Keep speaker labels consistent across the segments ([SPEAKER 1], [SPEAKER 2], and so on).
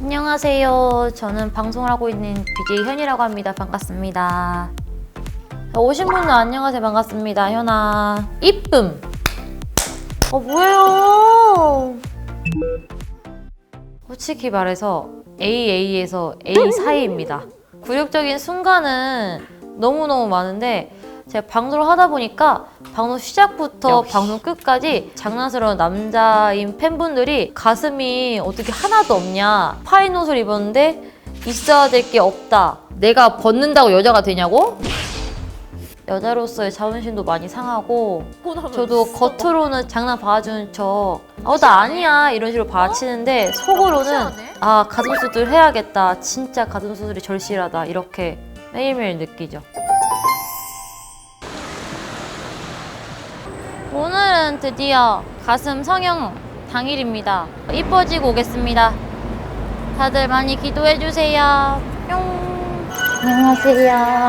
[SPEAKER 1] 안녕하세요. 저는 방송을 하고 있는 BJ 현이라고 합니다. 반갑습니다. 오신 분은 안녕하세요. 반갑습니다. 현아. 이쁨. 뭐예요? 솔직히 말해서 AA에서 A 사이입니다. 굴욕적인 순간은 너무너무 많은데 제가 방송을 하다 보니까 방송 시작부터 방송 끝까지 장난스러운 남자인 팬분들이 가슴이 어떻게 하나도 없냐, 파인 옷을 입었는데 있어야 될 게 없다, 내가 벗는다고 여자가 되냐고? 여자로서의 자존심도 많이 상하고, 저도 겉으로는 장난 봐주는 척 나 아니야 이런 식으로 봐치는데 속으로는 가슴 수술 해야겠다, 진짜 가슴 수술이 절실하다, 이렇게 매일매일 느끼죠. 오늘은 드디어 가슴 성형 당일입니다. 이뻐지고 오겠습니다. 다들 많이 기도해주세요. 뿅. 안녕하세요.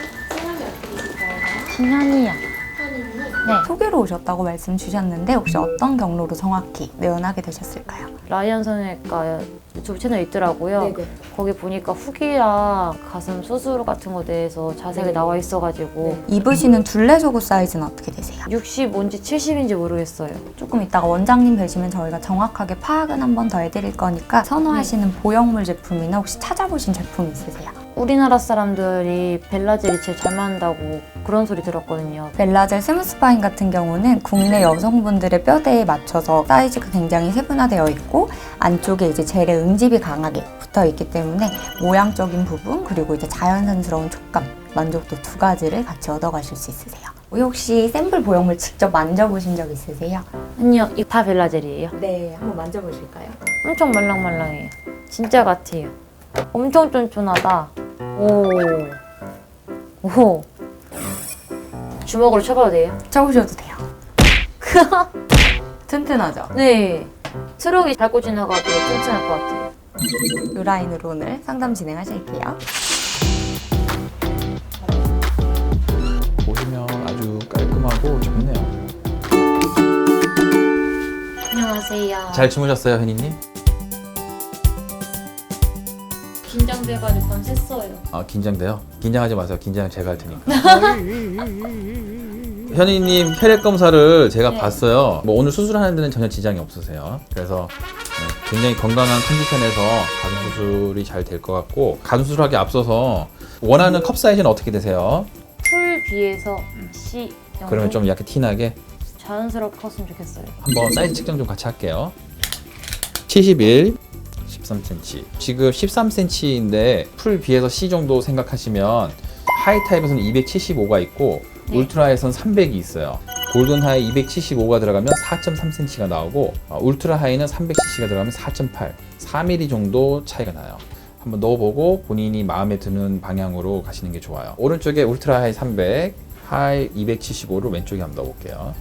[SPEAKER 1] 진현이요. 네.
[SPEAKER 2] 소개로 오셨다고 말씀 주셨는데 혹시 어떤 경로로 정확히 내원하게 되셨을까요?
[SPEAKER 1] 라이언 성형외과 유튜브 채널 있더라고요. 네네. 거기 보니까 후기랑 가슴 수술 같은 거에 대해서 자세하게 나와 있어가지고.
[SPEAKER 2] 입으시는 둘레 속옷 사이즈는 어떻게 되세요?
[SPEAKER 1] 65인지 70인지 모르겠어요.
[SPEAKER 2] 조금 이따가 원장님 뵈시면 저희가 정확하게 파악은 한 번 더 해드릴 거니까 선호하시는 보형물 제품이나 혹시 찾아보신 제품 있으세요?
[SPEAKER 1] 우리나라 사람들이 벨라젤이 제일 잘 맞는다고 그런 소리 들었거든요.
[SPEAKER 2] 벨라젤 스무스파인 같은 경우는 국내 여성분들의 뼈대에 맞춰서 사이즈가 굉장히 세분화되어 있고 안쪽에 이제 젤의 응집이 강하게 붙어 있기 때문에 모양적인 부분 그리고 이제 자연스러운 촉감, 만족도 두 가지를 같이 얻어가실 수 있으세요. 혹시 샘플 보형물 직접 만져보신 적 있으세요?
[SPEAKER 1] 아니요, 이거 다 벨라젤이에요.
[SPEAKER 2] 네, 한번 만져보실까요?
[SPEAKER 1] 엄청 말랑말랑해요. 진짜 같아요. 엄청 쫀쫀하다. 오. 주먹으로 쳐봐도 돼요?
[SPEAKER 2] 쳐보셔도 돼요. 튼튼하죠?
[SPEAKER 1] 네. 트럭이 밟고 지나가도 튼튼할 것 같아요.
[SPEAKER 2] 이 라인으로 오늘 상담 진행하실게요.
[SPEAKER 3] 보시면 아주 깔끔하고 좋네요.
[SPEAKER 1] 안녕하세요.
[SPEAKER 3] 잘 주무셨어요, 현이님?
[SPEAKER 1] 긴장돼가지고 밤 샜어요.
[SPEAKER 3] 긴장돼요? 긴장하지 마세요. 긴장은 제가 할 테니까. 현이님 혈액 검사를 제가 봤어요. 오늘 수술하는 데는 전혀 지장이 없으세요. 그래서 굉장히 건강한 컨디션에서 가슴 수술이 잘 될 것 같고, 가슴 수술하기 앞서서 원하는 컵 사이즈는 어떻게 되세요?
[SPEAKER 1] 풀 B에서 C 정도?
[SPEAKER 3] 그러면 좀 약간 티나게
[SPEAKER 1] 자연스럽게 컸으면 좋겠어요.
[SPEAKER 3] 한번 사이즈 측정 좀 같이 할게요. 71, 13cm. 지금 13cm인데 풀 B에서 C 정도 생각하시면 하이 타입에서는 275가 있고 울트라에서는 300이 있어요. 골든 하이 275가 들어가면 4.3cm가 나오고 울트라 하이는 300cc가 들어가면 4.8, 4mm 정도 차이가 나요. 한번 넣어보고 본인이 마음에 드는 방향으로 가시는 게 좋아요. 오른쪽에 울트라 하이 300, 하이 275를 왼쪽에 한번 넣어볼게요.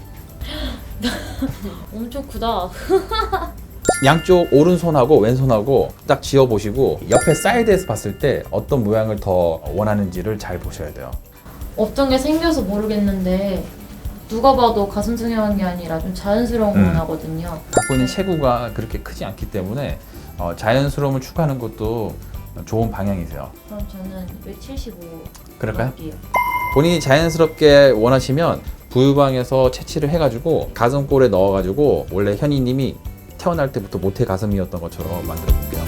[SPEAKER 1] 엄청 크다.
[SPEAKER 3] 양쪽 오른손하고 왼손하고 딱 쥐어보시고 옆에 사이드에서 봤을 때 어떤 모양을 더 원하는지를 잘 보셔야 돼요.
[SPEAKER 1] 어떤 게 생겨서 모르겠는데 누가 봐도 가슴 성형한 게 아니라 좀 자연스러운 거 원하거든요.
[SPEAKER 3] 갖고 있는 체구가 그렇게 크지 않기 때문에 자연스러움을 추구하는 것도 좋은 방향이세요.
[SPEAKER 1] 그럼 저는 175
[SPEAKER 3] 그럴까요?
[SPEAKER 1] 넣을게요.
[SPEAKER 3] 본인이 자연스럽게 원하시면 부유방에서 채취를 해가지고 가슴골에 넣어가지고 원래 현이님이 태어날 때부터 모태 가슴이었던 것처럼 만들어 볼게요.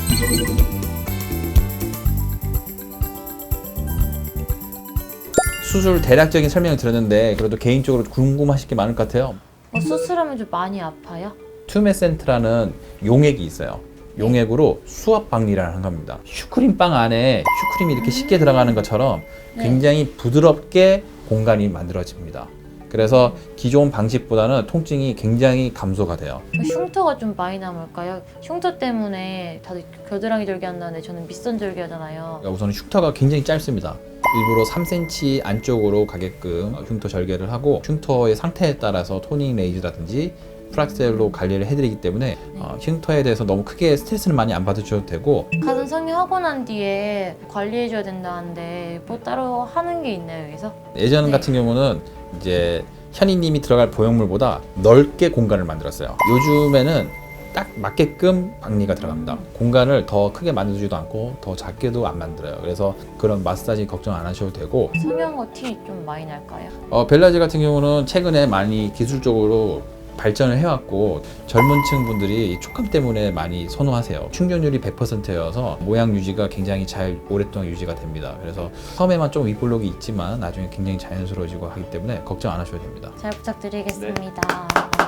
[SPEAKER 3] 수술 대략적인 설명을 들었는데 그래도 개인적으로 궁금하실 게 많을 것 같아요.
[SPEAKER 1] 수술하면 좀 많이 아파요?
[SPEAKER 3] 튜메센트라는 용액이 있어요. 용액으로 수압 박리라는 겁니다. 슈크림 빵 안에 슈크림이 이렇게 쉽게 들어가는 것처럼 굉장히 부드럽게 공간이 만들어집니다. 그래서 기존 방식보다는 통증이 굉장히 감소가 돼요.
[SPEAKER 1] 흉터가 좀 많이 남을까요? 흉터 때문에 다들 겨드랑이 절개 한다는데 저는 밑선 절개 하잖아요.
[SPEAKER 3] 우선은 흉터가 굉장히 짧습니다. 일부러 3cm 안쪽으로 가게끔 흉터 절개를 하고 흉터의 상태에 따라서 토닝 레이즈라든지 프락셀로 관리를 해드리기 때문에 흉터에 대해서 너무 크게 스트레스는 많이 안 받으셔도 되고.
[SPEAKER 1] 가슴 성형하고 난 뒤에 관리해줘야 된다는데 뭐 따로 하는 게 있나요, 여기서?
[SPEAKER 3] 예전 같은 경우는 이제 현이님이 들어갈 보형물보다 넓게 공간을 만들었어요. 요즘에는 딱 맞게끔 박리가 들어갑니다. 공간을 더 크게 만들지도 않고 더 작게도 안 만들어요. 그래서 그런 마사지 걱정 안 하셔도 되고,
[SPEAKER 1] 성형어 티 좀 많이 날까요?
[SPEAKER 3] 벨라지 같은 경우는 최근에 많이 기술적으로 발전을 해왔고 젊은 층 분들이 이 촉감 때문에 많이 선호하세요. 충전율이 100%여서 모양 유지가 굉장히 잘 오랫동안 유지가 됩니다. 그래서 처음에만 좀 윗볼록이 있지만 나중에 굉장히 자연스러워지고 하기 때문에 걱정 안 하셔도 됩니다.
[SPEAKER 1] 잘 부탁드리겠습니다.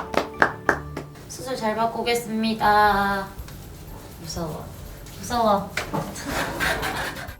[SPEAKER 1] 수술 잘 받고 오겠습니다. 무서워. 무서워.